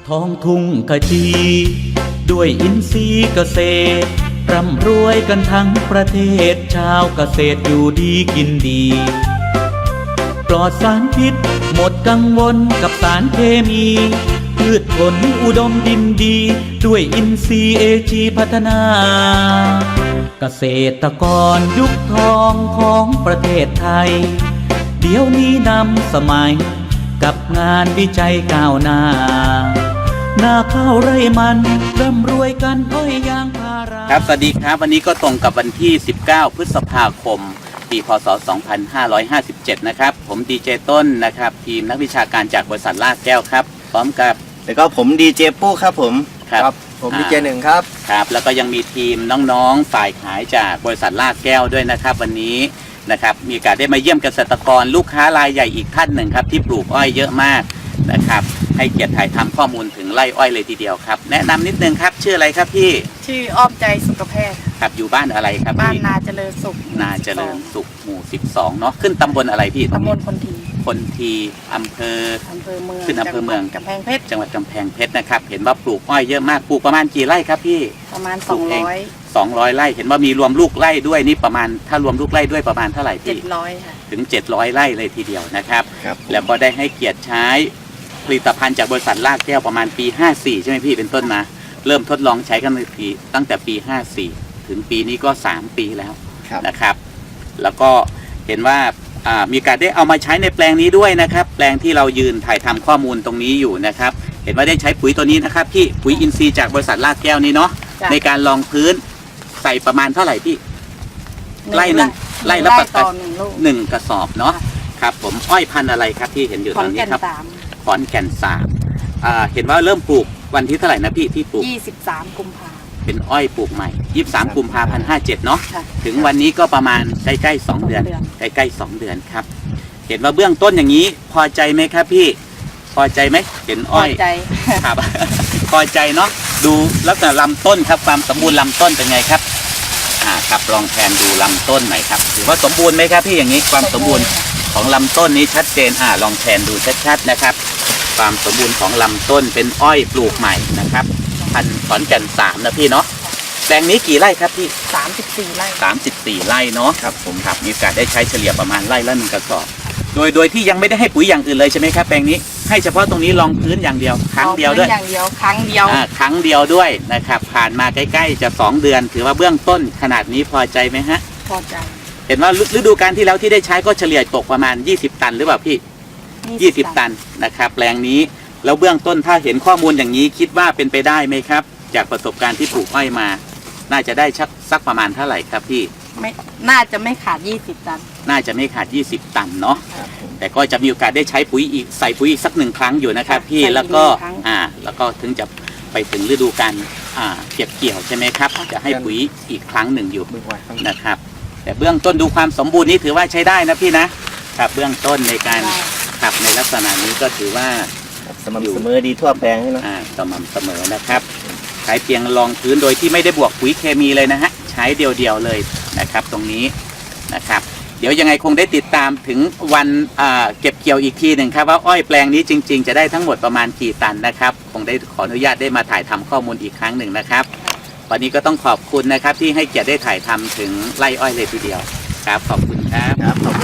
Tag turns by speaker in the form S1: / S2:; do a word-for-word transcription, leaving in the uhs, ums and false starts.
S1: ท้องทุ่งขจีด้วยอินทรีย์เกษตรร่ำรวยกันทั้งประเทศชาวเกษตรอยู่ดีกินดีปลอดสารพิษหมดกังวลกับสารเคมีพืชผลอุดมดินดีด้วยอินทรีย์เอจีพัฒนาเกษตรกรยุคทองของประเทศไทยเดี๋ยวนี้นำสมัยกับงานวิจัยก้าวหน้าหน้าข้าวไร่มันร่ำรวยกันอ้อยยางพาราครับสวัสดีครับวันนี้ก็ตรงกับวันที่สิบเก้าพฤษภาคมปีพ.ศ. สองพันห้าร้อยห้าสิบเจ็ดนะครับผมดีเจต้นนะครับทีมนักวิชาการจากบริษัทลาดแก้วครับพร้อมกับ
S2: แล้วก็ผมดีเจปู้ครับผม
S1: ครับ
S2: ผมดีเจหนึ่งครับ
S1: ครับแล้วก็ยังมีทีมน้องๆฝ่ายขายจากบริษัทลาดแก้วด้วยนะครับวันนี้นะครับมีโอกาสได้มาเยี่ยมเกษตรกรลูกค้ารายใหญ่อีกท่านหนึ่งครับที่ปลูกอ้อยเยอะมากนะครับให้เกียรติถ่ายทำข้อมูลถึงไร่อ้อยเลยทีเดียวครับแนะนำนิดนึงครับชื่ออะไรครับพี่
S3: ชื่ออ้อมใจสุขแพทย์
S1: ครับอยู่บ้านอะไรครับ
S3: บ้านนาเจริญสุข
S1: นาเจริญสุขหมู่สิบสองเนาะขึ้นตำบลอะไรพี่
S3: ตำบลคนที
S1: คนทีอำเภอ
S3: อำเภอเมือง
S1: ขึ้นอำเภอเมือง
S3: กำแพงเพชร
S1: จังหวัดกำแพงเพชรนะครับเห็นว่าปลูกอ้อยเยอะมากปลูกประมาณกี่ไร่ครับพี่
S3: ประมาณสองร้อย
S1: สองร้อยไร่เห็นว่ามีรวมลูกไร่ด้วยนี่ประมาณถ้ารวมลูกไร่ด้วยประมาณเท่าไหร่พี่
S3: เจ็ดร้อยค่ะ
S1: ถึงเจ็ดร้อยไร่เลยทีเดียวนะครับ
S2: ครับ
S1: แล้วก็ได้ให้เกียรติใช้ผลิตภัณฑ์จากบริษัทลาดแก้วประมาณปีห้าสี่ใช่ไหมพี่เป็นต้นมาเริ่มทดลองใช้กันในปีตั้งแต่ปีห้าสี่ถึงปีนี้ก็สามปีแล้วนะครับแล้วก็เห็นว่ามีการได้เอามาใช้ในแปลงนี้ด้วยนะครับแปลงที่เรายืนถ่ายทำข้อมูลตรงนี้อยู่นะครับเห็นว่าได้ใช้ปุ๋ยตัวนี้นะครับพี่ปุ๋ยอินทรีย์จากบริษัทลาดแก้วนี้เนาะในการรองพื้นใส่ประมาณเท่าไหร่พี่ไร่หนึ่งไร่ละประมาณหนึ่งกระสอบเนาะครับผมอ้อยพันธุ์อะไรครับที่เห็นอยู่ตรงนี้ครับขอนแก่นสามเห็นว่าเริ่มปลูกวันที่เท่าไหร่นะพี่ที่ปลูก
S3: ยี่สิบสามกุมภา
S1: เป็นอ้อยปลูกใหม่ยี่สิบสามกุมภาพันธ์ห้าเจ็ดเนาะถึงวันนี้ก็ประมาณใกล้ๆสองเดือนใกล้ๆสองเดือนครับเห็นว่าเบื้องต้นอย่างนี้พอใจไหมครับพี่พอใจไหมเห็นอ้อย
S3: พอใจ
S1: ครับพอใจเนาะดูลักษณะลำต้นครับความสมบูรณ์ลำต้นเป็นไงครับอ่าครับลองแทนดูลำต้นหน่อยครับถือว่าสมบูรณ์ไหมครับพี่อย่างนี้ความสมบูรณ์ของลำต้นนี้ชัดเจนอ่าลองแทนดูชัดๆนะครับความสมบูรณ์ของลำต้นเป็นอ้อยปลูกใหม่นะครับพันธุ์ขอนแก่นสามนะพี่เนาะแปลงนี้กี่ไร่ครับพี่
S3: สามสิบสี่ไร่
S1: สามสิบสี่ไร่เนาะครับผมครับมีโอกาสได้ใช้เฉลี่ยประมาณไร่ละหนึ่งกระสอบโดยโดยที่ยังไม่ได้ให้ปุ๋ยอย่างอื่นเลยใช่ไหมครับแปลงนี้ให้เฉพาะตรงนี้รองพื้นอย่างเดียวครั้งเดียวด้วย
S3: อย่างเดียวครั้งเดียว
S1: อ่าครั้งเดียวด้วยนะครับผ่านมาใกล้ๆจะสองเดือนถือว่าเบื้องต้นขนาดนี้พอใจไหมฮะ
S3: พอใจ
S1: เห็นว่าฤดูกาลที่แล้วที่ได้ใช้ก็เฉลี่ยตกประมาณยี่สิบตันหรือเปล่าพี่ยี่สิบตันนะครับแปลงนี้แล้วเบื้องต้นถ้าเห็นข้อมูลอย่างนี้คิดว่าเป็นไปได้ไหมครับจากประสบการณ์ที่ปลูกอ้อยมาน่าจะได้ชักสักประมาณเท่าไหร่ครับพี่
S3: ไม่น่าจะไม่ขาดยี่สิบตัน
S1: น่าจะไม่ขาดยี่สิบตันเนาะแต่ก็จะมีโอกาสได้ใช้ปุ๋ยอีกใส่ปุ๋ยอีกสักหนึ่งครั้งอยู่นะครับพี่แล้วก็อ่าแล้วก็ถึงจะไปถึงฤดูกาลอ่าเก็บเกี่ยวใช่ไหมครับจะให้ปุ๋ยอีกครั้งหนึ่งอยู่นะครับแต่เบื้องต้นดูความสมบูรณ์นี้ถือว่าใช้ได้นะพี่นะครับเบื้องต้นในการขับในลักษณะนี้ก็ถือว่า
S2: สม่ำเสมอดีทั่วแปลงใช่ไหม
S1: อ่าสม่ำเสมอนะครับใช้เพียงรองพื้นโดยที่ไม่ได้บวกปุ๋ยเคมีเลยนะฮะใช้เดียวๆเลยนะครับตรงนี้นะครับเดี๋ยวยังไงคงได้ติดตามถึงวันเก็บเกี่ยวอีกทีหนึ่งครับว่าอ้อยแปลงนี้จริงๆจะได้ทั้งหมดประมาณกี่ตันนะครับคงได้ขออนุญาตได้มาถ่ายทำข้อมูลอีกครั้งหนึ่งนะครับวันนี้ก็ต้องขอบคุณนะครับที่ให้เกียรติได้ถ่ายทำถึงไร่อ้อยเลยทีเดียวครับขอบคุณครับ